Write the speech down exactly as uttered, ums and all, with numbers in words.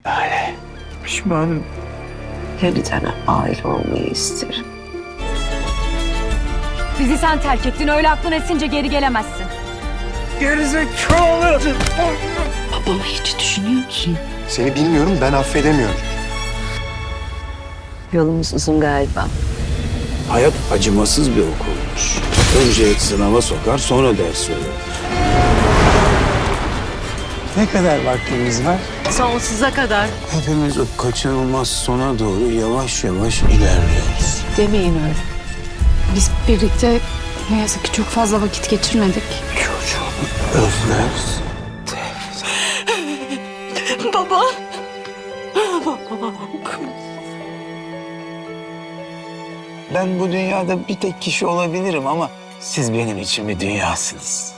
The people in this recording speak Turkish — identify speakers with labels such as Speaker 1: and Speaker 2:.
Speaker 1: Lale, pişmanım.
Speaker 2: Yeniden aile olmayı isterim.
Speaker 3: Bizi sen terk ettin. Öyle aklın esince geri gelemezsin.
Speaker 1: Gerizekalı!
Speaker 2: Babamı hiç düşünüyor musun?
Speaker 1: Seni bilmiyorum, ben affedemiyorum.
Speaker 2: Yolumuz uzun galiba.
Speaker 4: Hayat acımasız bir okulmuş. Önce sınava sokar, sonra ders verir. Ne kadar vaktimiz var?
Speaker 2: Sonsuza kadar.
Speaker 4: Hepimiz o kaçınılmaz sona doğru yavaş yavaş ilerliyoruz.
Speaker 2: Demeyin öyle.
Speaker 5: Biz birlikte ne yazık ki çok fazla vakit geçirmedik.
Speaker 4: Çocuğunu özlersin.
Speaker 2: Baba.
Speaker 4: Ben bu dünyada bir tek kişi olabilirim ama siz benim için bir dünyasınız.